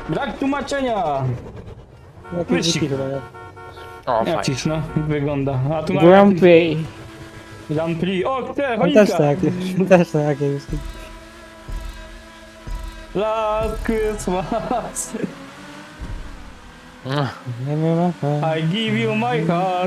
Brak tłumaczenia! Jakie Wyścig. dziki chyba, nie? O, Jak fajnie. cisz, no, wygląda. A tu na Grand Prix. Grand Prix. O, te, Też choinka! to jakieś, też to jakieś. Last Christmas, Nie wiem, I give you my heart.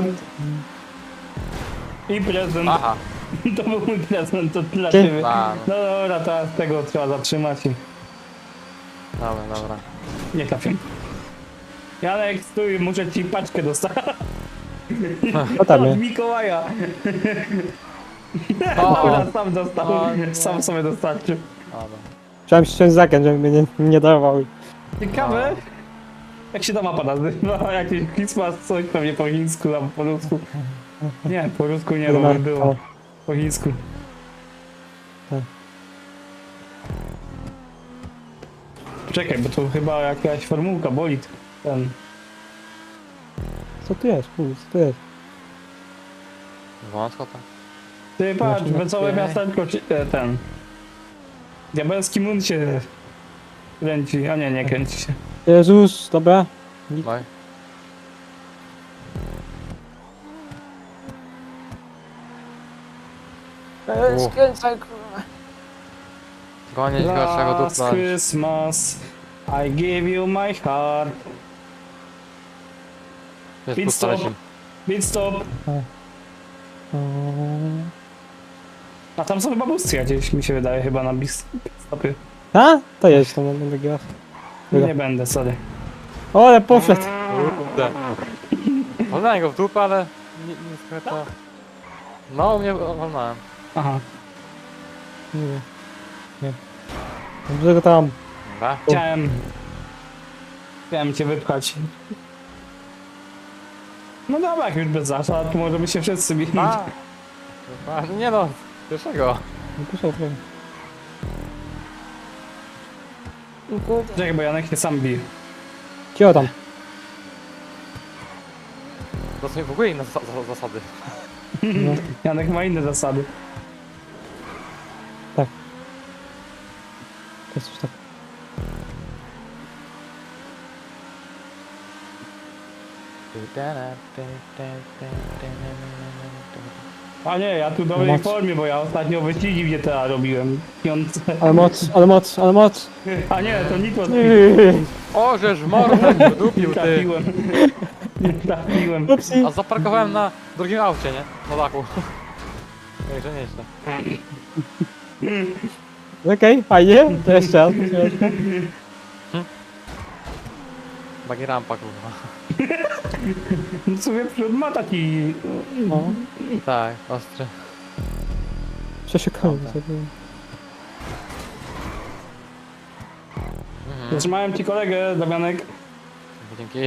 I prezent. Aha. To był mój prezent, to dla Ty. ciebie. A, No dobra, teraz tego trzeba zatrzymać i dobra. nie trafię. Janek, stój, muszę ci paczkę dostać. Co tam Od jest? Mikołaja. O, Dobra, sam dostał. O, nie. Sam sobie dostarczył. Dobra. Chciałem ściąć zakręt, żeby mnie nie darował. Ciekawe, jak się ta mapa nazywa, jakiś Christmas, coś pewnie po chińsku, albo po rusku. Nie, po rusku nie, bo by było. Po chińsku. Tak. Czekaj, bo to chyba jakaś formułka, bolid. Ten. Co tu jest? Kurde, co tu jest? Wąsko tam. Ty patrz, Znaczy, wesołe nie. miasteczko, ten. Diabelski mun się kręci, a nie kręci się. Jezus, dobra. Daj. U. Skręcaj, kurwa. Gonić gorszego Last dupla. Christmas, I give you my heart. Jest Pit pusta stop. leci. Pit stop. A tam są chyba busty gdzieś, mi się wydaje, chyba na pit stopie. A? To jest to, mam wygrać. Nie będę, sorry. O, ale poszedł. Kurde. Walnąłem go w dupę, ale nie skryto. No, mnie walnąłem. Aha. Nie wiem. Nie. Dobrze go tam. Dobra. Chciałem cię wypchać. No dobra, jak już bez zasad, to możemy się wszyscy bić. A, nie no, pierwszego. Nie poszedł, nie. Czekaj, bo Janek się sam bije. Cio tam. To są w ogóle inne zasady. No. Janek ma inne zasady. To jest coś tak. A nie, ja tu w dobrej formie, bo ja ostatnio wyścigi w GTA robiłem. Piątce. Ale moc, ale moc, ale moc. A nie, to Nitro O, żeż mordę wydupił, nie ty. trafiłem. Nie trafiłem. Upsi. A zaparkowałem na drugim aucie, nie? Na dachu. Ej, że nieźle. Okej, fajnie. To jeszcze raz. Bagi rampa, kurwa. W sumie przód ma taki... No. Tak, ostry. Przeszukałem sobie. Zatrzymałem ci kolegę, Damianek. Dzięki.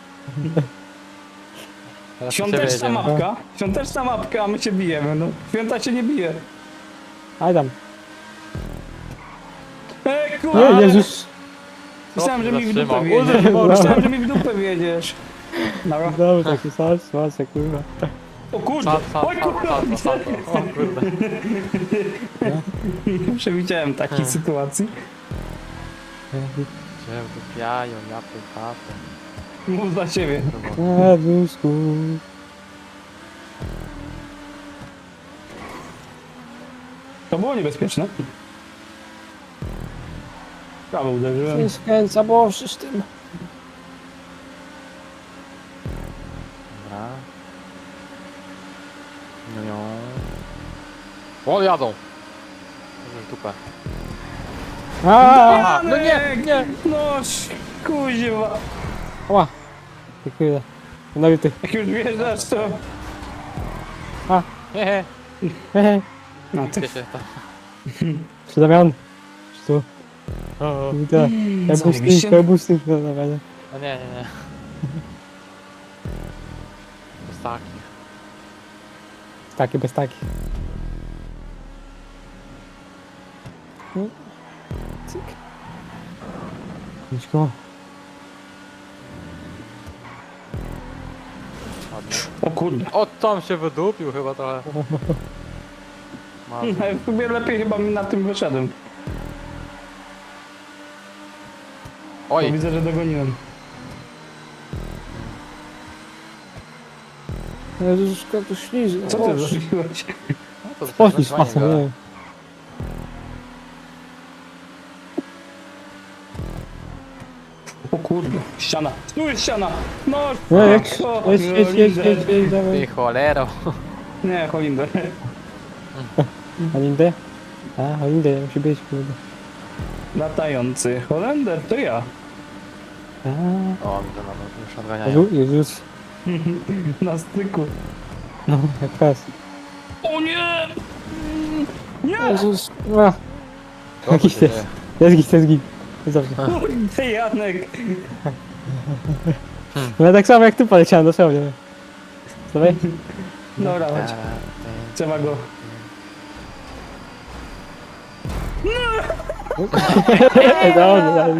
Teraz Świąteczna jedziemy. mapka. Świąteczna mapka, a my się bijemy, no. Święta się nie bije. Aj tam. Kurwa! Nie, Jezus. Myślałem, że mi w dupę Zatrzymał. wjedziesz. Użyj, Myślałem, że mi w dupę wjedziesz. Dobra. Znowu taki salsa, kurwa. O kurde! Oj kurwa! O kurde. Przewidziałem takiej sytuacji. Cię wdupiają, ja pytatę. Mów za siebie. Na wózku. To było niebezpieczne. Prawo uderzyłem. Nie skręca, bo z tym. Dobra. No. O, jadą. Może w dupę. Aaa! No nie, nie. No kuźwa. Ała. Dziękuję. No i ty. Jak już wjeżdżasz, to... Hehe. Hehe. No ty... Gdzie się to? Czy Damian? Czy tu? O, Widzę. zajebiście. Kabusy, no Damianie. no nie. Bez takich. Taki, bez taki. Cyk. Idź go. Ładnie. O kurde. O, tam się wydupił chyba trochę. Mam. W sumie lepiej chyba mi na tym wyszedłem. Bo Oj, widzę, że dogoniłem. Jezuszka, to śliźnie. Co ty zrobiłeś? no to Poślizg fajnie masą, gada. nie. O kurde, ściana. Tu jest ściana. No, No, jedź, fuck, jedź, Holinder. dawaj. Ty cholero. Nie, Holinder. Holindę? A, Holindę, musi być, kurde. Latający Holender, to ja. A, O, widzę, no, już odganiają. Jezus. Na styku. No, jak fest. O nie! Nie! Jezus. A, Co tu jakiś się jest. dzieje? Jest git, jest git. Jest dobrze. Kurde, Janek! No ja tak samo jak ty poleciałem, dosłownie. Dawaj. Dobra, chodź. Trzeba go. Dobra,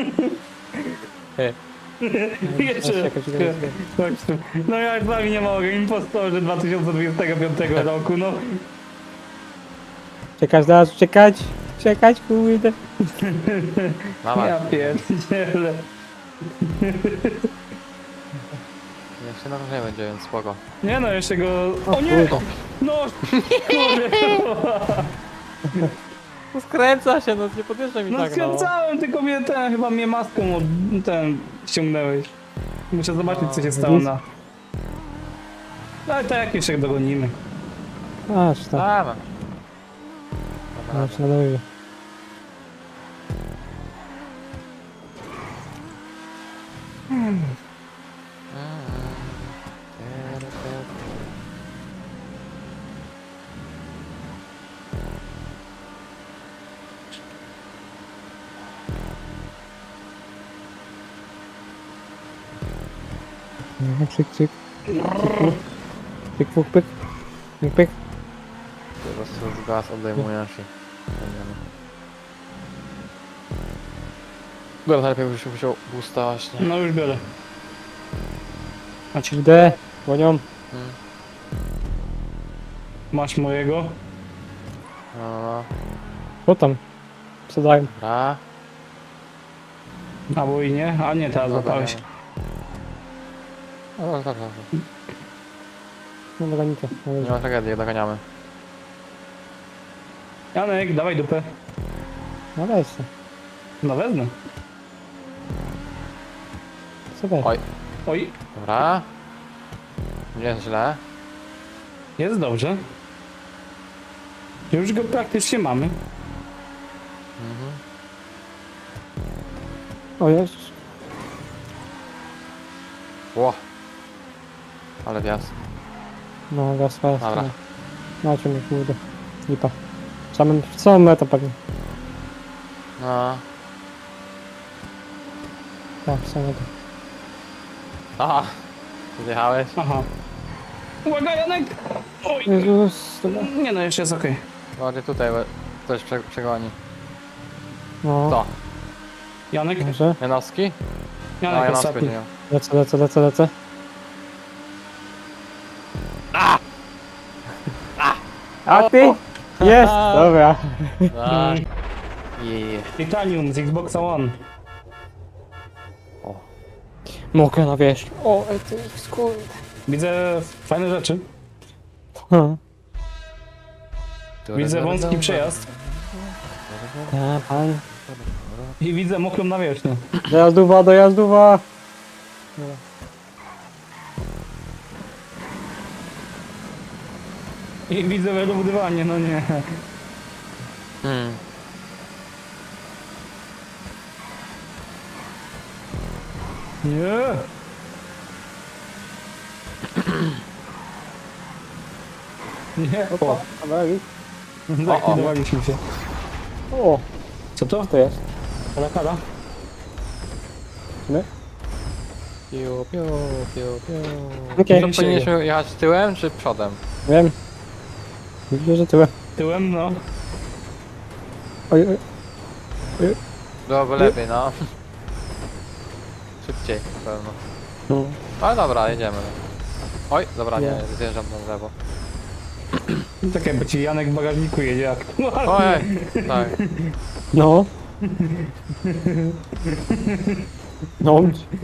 Jeszcze. Czekaj, czekaj. Chodź tu. No ja z wami nie mogę. Impostorzy 2025 roku, no. Czekać, zaraz uciekać. Czekać, kurde. Dawaj, Ja pierdzielę. jeszcze na nie będzie, więc spoko. Nie no, jeszcze go... O nie! kurde. No! Kurde! No skręca się, no nie podjeżdżaj mi No tak, no. skręcałem, tylko mnie ten, chyba mnie maską ten ściągnęłeś. Muszę zobaczyć, co się stało na... Ale tak jak jeszcze dogonimy. A, czy tam. Dawaj. A, czy na dole. No, cyk, cyk. Pyk, pyk, pyk. Pyk, pyk. Po prostu z gaz odejmujesz i... Dobra, najlepiej byś musiał boosta właśnie. No już biorę. Macie, Idę, gonią. masz mojego. No, Co tam? Co dają? dobra. Albo i nie. A nie, teraz złapałeś. No, dobrze, dobrze. No, doganicie. Nie ma tragedii, doganiamy. Janek, dawaj dupę. No weź se. No wezmę. Co weź? Oj. Oj, Dobra. Nie jest źle. jest dobrze. Już go praktycznie mamy. Mhm. O Jezus. Ło. Ale wjazd. No, gaz, gaz. Dobra. No, cię mnie, kurde. Lipa. Samą metę pewnie. No. Tak, samą metę. Aha. Zjechałeś? Aha. Uwaga, Janek! Oj! Jezus. Dobra. Nie no, jeszcze jest okej. Bardziej tutaj, bo ktoś przegoni. No, Co? Janek? może. Janowski? No, Janek Janowski ostatni. nie. Lecę. A ty? Jest! Dobra. Tak. I... Titanium z Xboxa One. O. Mogę na wierzch. O, ty kurde. Widzę fajne rzeczy. Widzę wąski przejazd. Ja, pan. I widzę mokrą nawierzchnię. Dojazdowa. I widzę wybudowanie, no nie. Hmm. Nie. Nie, o, zlikwidowaliśmy się. O, Co to? to jest. Kara? Piu, piu, piu, piu. Okej, To powinniśmy jechać tyłem czy przodem? wiem. Widzę, że tyłem. Tyłem, no. Oj, oj. Byłoby lepiej, no. Szybciej, na pewno. No. Ale dobra, jedziemy. Oj, dobra, nie, Nie. zjeżdżam na lewo. Tak jakby ci Janek w bagażniku jedzie jak. Ojej, tak. No. No.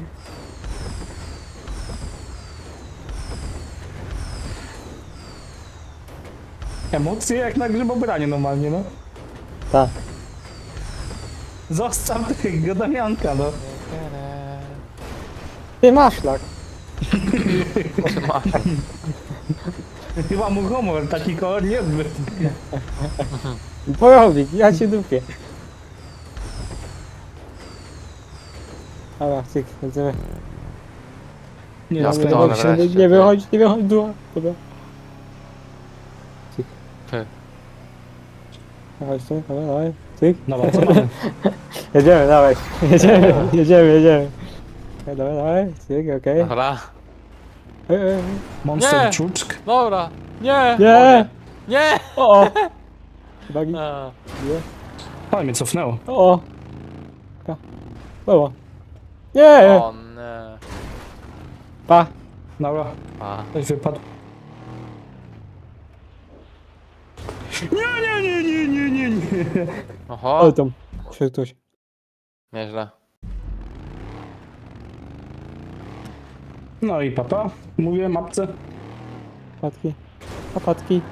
Emocje jak na grzybobraniu normalnie, no. Tak. Zostaw tego Damianka, no. Ty masz tak. Czy masz? Chyba mu humor, taki kolor niezbyt. Porobić, ja cię dupię. Dobra, cyk, lecimy. Nie, Ja no, pierdolę, wreszcie, nie wychodź, nie wychodź, dua. Dobra. Cyk. Ty. Chodź tu, dobra, dawaj. Cyk. Dobra, co mamy? Jedziemy, dawaj. Jedziemy. Dobra, dawaj, cyk, okej. Dobra. Okay. Monster Nie! czuczk. Dobra. Nie! Nie! Nie! O! Bagi, A, nie. Ale mnie cofnęło. O! Pa. Było. Nie! o nie. Pa! Dobra, A. ktoś wypadł. Nie. Oho. Ale tam. Przyszedł ktoś. Nieźle. No i papa, mówię mapce. Patki. Patki.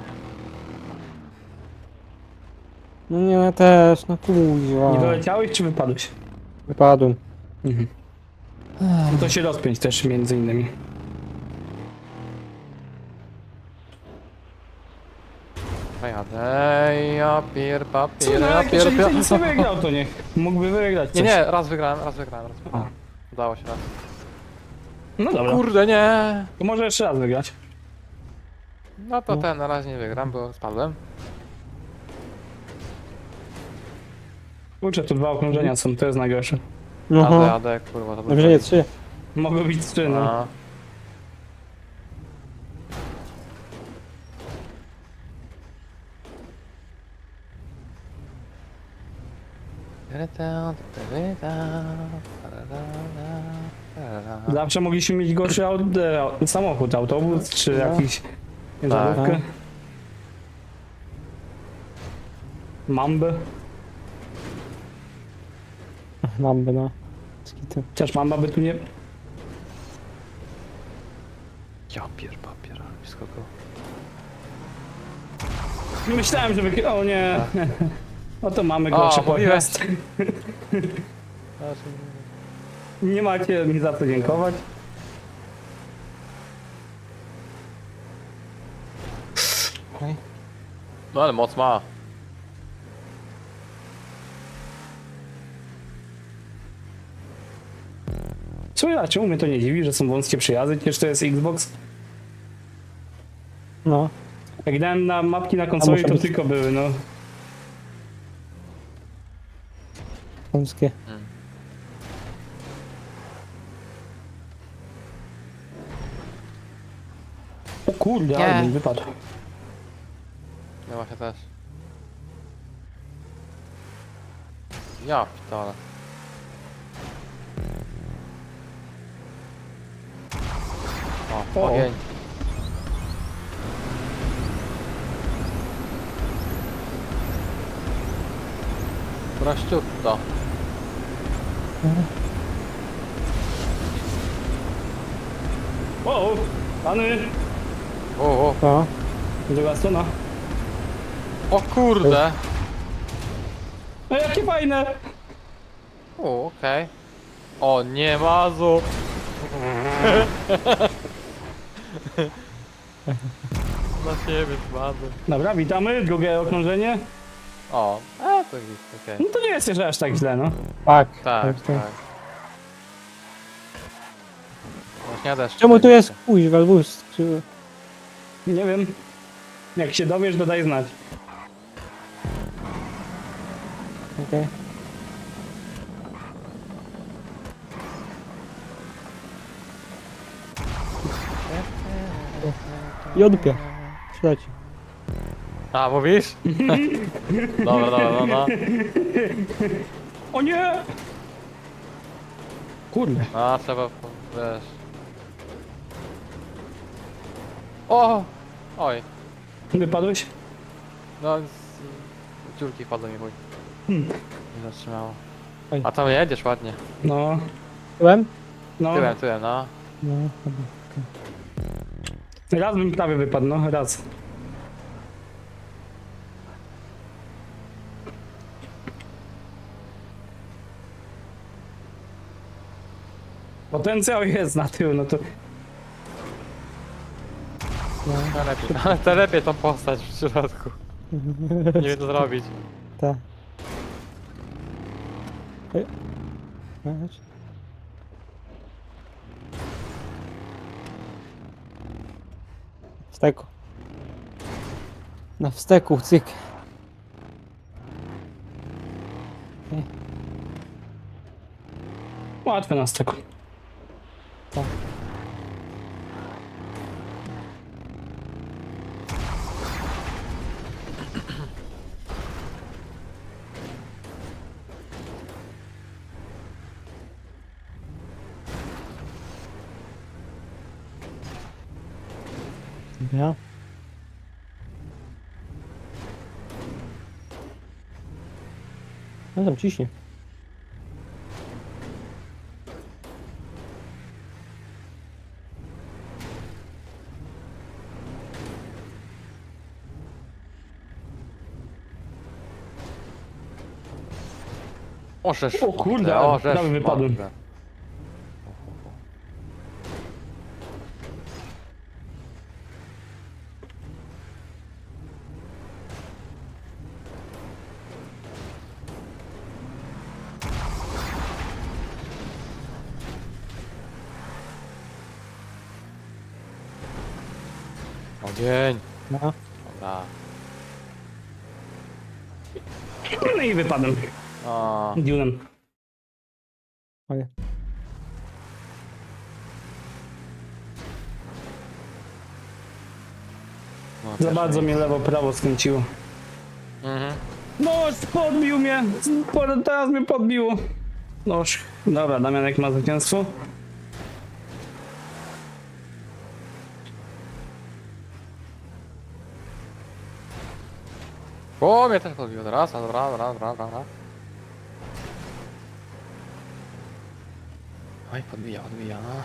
No nie, ja też, no kuźwa. Nie doleciałeś czy wypadłeś? Wypadłem. Mhm. No to się rozpiąć też między innymi. Jadę, ja pier, Co, papier, no ja jak pier, jeżeli nic nie wygrał, to niech mógłby wygrać coś. Nie, raz wygrałem. A. Udało się raz. No dobra, Kurde, nie! to może jeszcze raz wygrać. No to ten na razie nie wygram, bo spadłem. Kurczę, tu 2 okrążenia są, to jest najgorsze. No. Jadę, kurwa, to Dobrze, nie, 3. Mogą być 3, no. A. Zawsze mogliśmy mieć gorszy samochód, autobus czy No. jakiś ciężarówkę. Tak. Mambę. Mam by, no. Skitu. Chociaż mamba by tu nie... Ja pier, papier, ale blisko go. Myślałem, że O nie. No to mamy O, gorszy mówiłeś. pojazd. Nie macie mi za co dziękować. No ale moc ma. Co ja, czemu mnie to nie dziwi, że są wąskie przejazdy, przecież to jest Xbox. No. Jak dałem na mapki na konsoli, muszę to być- tylko były, no. Polskie. O kurde, Nie. ale mi wypadł. No właśnie też. Ja pitole. O, O. ogień. Prościutko. O, pany, O, O. druga strona. o kurde. No jakie fajne. O, okej. O, nie mazu. Na siebie spadłem. Dobra, witamy, drugie okrążenie. O, to git, okej. No to nie jest jeszcze aż tak źle, no. Tak. Tak, tak. Właśnie deszcz. Czemu tu jest kuźwa, wóz? Czy... Nie wiem. Jak się dowiesz, to daj znać. Okej. I odpie. Śledź. A, mówisz? Dobra, dobra, no. O nie! Kurde. A, trzeba, wiesz. O! Oj, Wypadłeś? no z dziurki wpadły mi chuj. Nie zatrzymało. Oj. A tam jedziesz ładnie. No, Tyłem? no. Tyłem, no. No, chyba. Raz bym prawie wypadł, no, raz. Potencjał jest na tył, no to... Telepie tą postać w środku. Nie wiem co zrobić. Tak. Ej. Weź. Wsteku. Na wsteku, cyk. Łatwe na styku. Tak. Ja. No tam ciśnie. O, żeż. O kurde, o, żeż. prawie wypadłem. Matkę. Ogień. No. Dobra. No i wypadłem. O, Dunem. Oj. no, Za pierwsze bardzo mnie miejsce. lewo, prawo skręciło. Mhm. No, podbił mnie! Teraz mnie podbiło. Noż. Dobra, Damianek ma zwycięstwo. O, mnie też podbiło teraz. Dobra. Oj, podbija, no.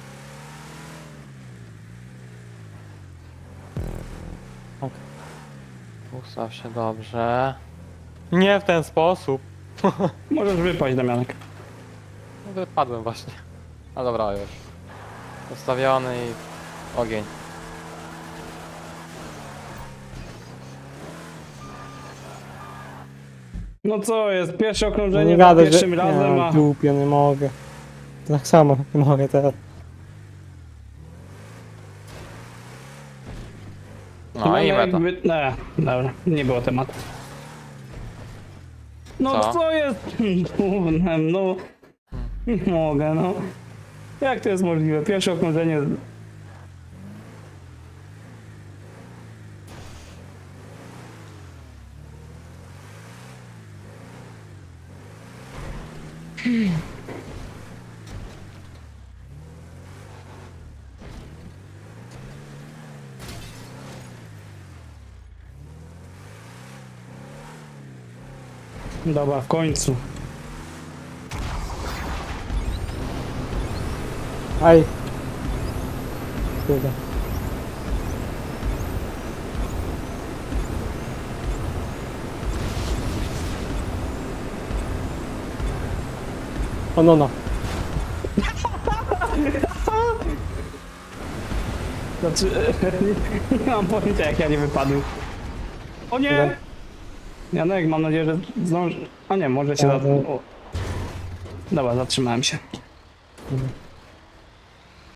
Tak. Ustaw się dobrze. Nie w ten sposób. Możesz wypaść, Damianek. No wypadłem właśnie. A dobra, już. Ustawiony i ogień. No co jest? Pierwsze No okrążenie nie za gadaj, że... pierwszym razem, Nie, a... dupie, nie mogę. Tak samo nie mogę teraz. No i meta. Nie, dobra, nie było tematu. No Co? co jest? Gównem, no. Nie mogę, no. Jak to jest możliwe? Pierwsze okrążenie... Dobra, w końcu. Aj. Kurde. O no no. Znaczy, nie mam pojęcia jak ja nie wypadłem. O nie! Dobra. Janek, mam nadzieję, że zdąży... A nie, może się... Tak, O. Dobra, zatrzymałem się. Dobra.